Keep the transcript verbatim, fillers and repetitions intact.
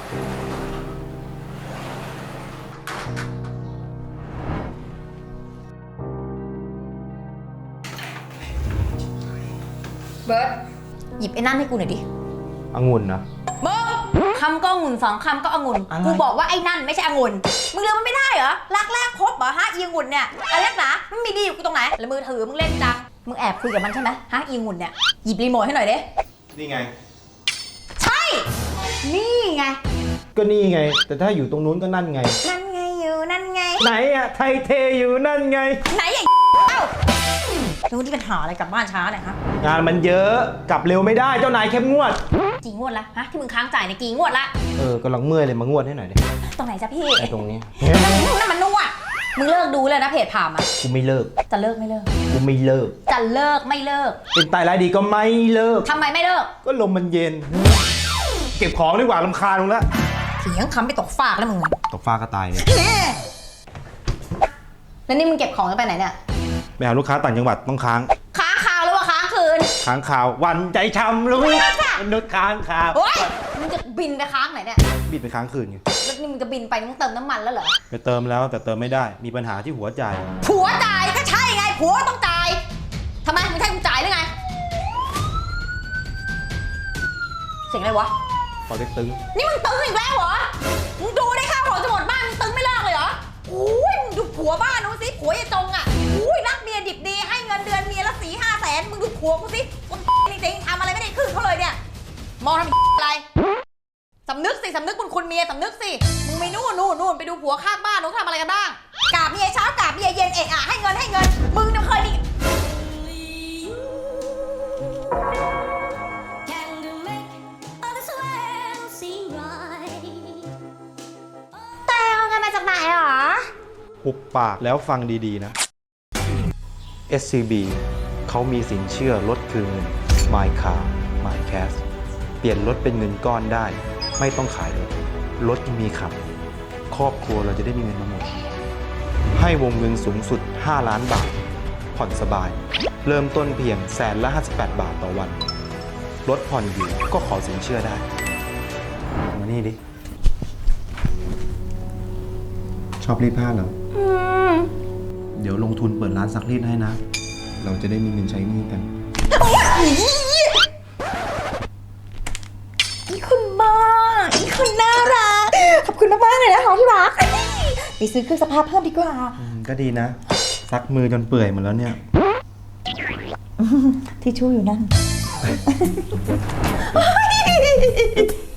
เบิร์ดหยิบไอ้นั่นให้กูหน่อยดิองุ่นนะมึงคำก็องุ่นสองคำก็องุ่นกูบอกว่าไอ้นั่นไม่ใช่องุ่นมึงเลือกมันไม่ได้เหรอรักแรกพบเหรอฮะอีองุ่นเนี่ยอะไรนักหนามันมีดีอยู่กูตรงไหนแล้วมือถือมึงเล่นจังมึงแอบคุยกับมันใช่ไหมฮะอีองุ่นเนี่ยหยิบรีโมทให้หน่อยดินี่ไงใช่นี่ไงก็นี่ไงแต่ถ้าอยู่ตรงนู้นก็นั่นไงนั่นไงอยู่นั่นไงไหนอะไทยเทอยู่นั่นไงไหนไอ้เอ้าแล้วนี่ปัญหาอะไรกลับบ้านช้าเนี่ยฮะงานมันเยอะกลับเร็วไม่ได้เจ้านายเข้มงวดกี่งวดละฮะที่มึงค้างจ่ายในกี่งวดละเออกำลังเมื่อยเลยมางวดให้หน่อยดิตรงไหนจ๊ะพี่ไอ้ตรงนี้นั่นนั่นมันนวดมึงเลิกดูเลยนะเพจผ่ามอ่ะกูไม่เลิกจะเลิกไม่เลิกกูไม่เลิกจะเลิกไม่เลิกเป็นตายร้ายดีก็ไม่เลิกทำไมไม่เลิกก็ลมมันเย็นเก็บของดีกว่ารำคาญมึงละเถียงคำไปตกฟากแล้วมึงตกฟากก็ตายเนี่ยแล้วนี่มึงเก็บของไปไหนเนี่ยไปหาลูกค้าต่างจังหวัดต้องค้างค้างคาวหรือว่าค้างคืนค้างคาววันใจช้ำรู้มนุษย์ค้างคาวโอ๊ยมึงจะบินไปค้างไหนเนี่ยบินไปค้างคืนไงแล้วนี่มึงจะบินไปมึงเติมน้ำมันแล้วเหรอไปเติมแล้วแต่เติมไม่ได้มีปัญหาที่หัวจ่ายผัวจ่ายก็ใช่ไงผัวต้องจ่ายทำไมมึงใช่มึงจ่ายหรือไงเสียงอะไรวะพอเล็กตึงนี่มึงตึงอีกแล้วเหรอมึงดูได้ข้าวของจะหมดบ้านมึงตึงไม่เลิกเลยเหรอโอ้ยมึงดูผัวบ้านนู้นสิผัวยายจงอ่ะโอ้ยรักเมียดิบดีให้เงินเดือนเมียละสี่ห้าแสนมึงดูผัวกูสิคนจริงๆทำอะไรไม่ได้คืนเขาเลยเนี่ยมองทำอะไรสำนึกสิสำนึกบุญคุณเมียสำนึกสิมึงไม่นู่นนู่นนู่นไปดูผัวข้างบ้านนู้นทำอะไรกันบ้างกราบเมียเช้ากราบเมียเย็นเอะอะให้เงินให้เงินมึงเนี่ยเคยดิแต่เอาเงินมาจากไหนหรอหุบปากแล้วฟังดีๆนะ เอส ซี บี เขามีสินเชื่อลดคืนเงิน My Car My Cash เปลี่ยนรถเป็นเงินก้อนได้ไม่ต้องขายรถรถมีขับครอบครัวเราจะได้มีเงินมาหมดให้วงเงินสูงสุดห้าล้านบาทผ่อนสบายเริ่มต้นเพียงแสนละห้าสิบแปดบาทต่อวันรถผ่อนอยู่ก็ขอสินเชื่อได้มานี่ดิชอบรีดผ้าเหรอเดี๋ยวลงทุนเปิดร้านซักรีดให้นะเราจะได้มีเงินใช้หนี้กันอีคุณบ้าอีคุณน่ารักขอบคุณมากๆเลยนะคะที่รักไปซื้อเครื่องซักผ้าเพิ่มดีกว่าก็ดีนะซักมือจนเปื่อยหมดแล้วเนี่ยที่ชู่อยู่นั่น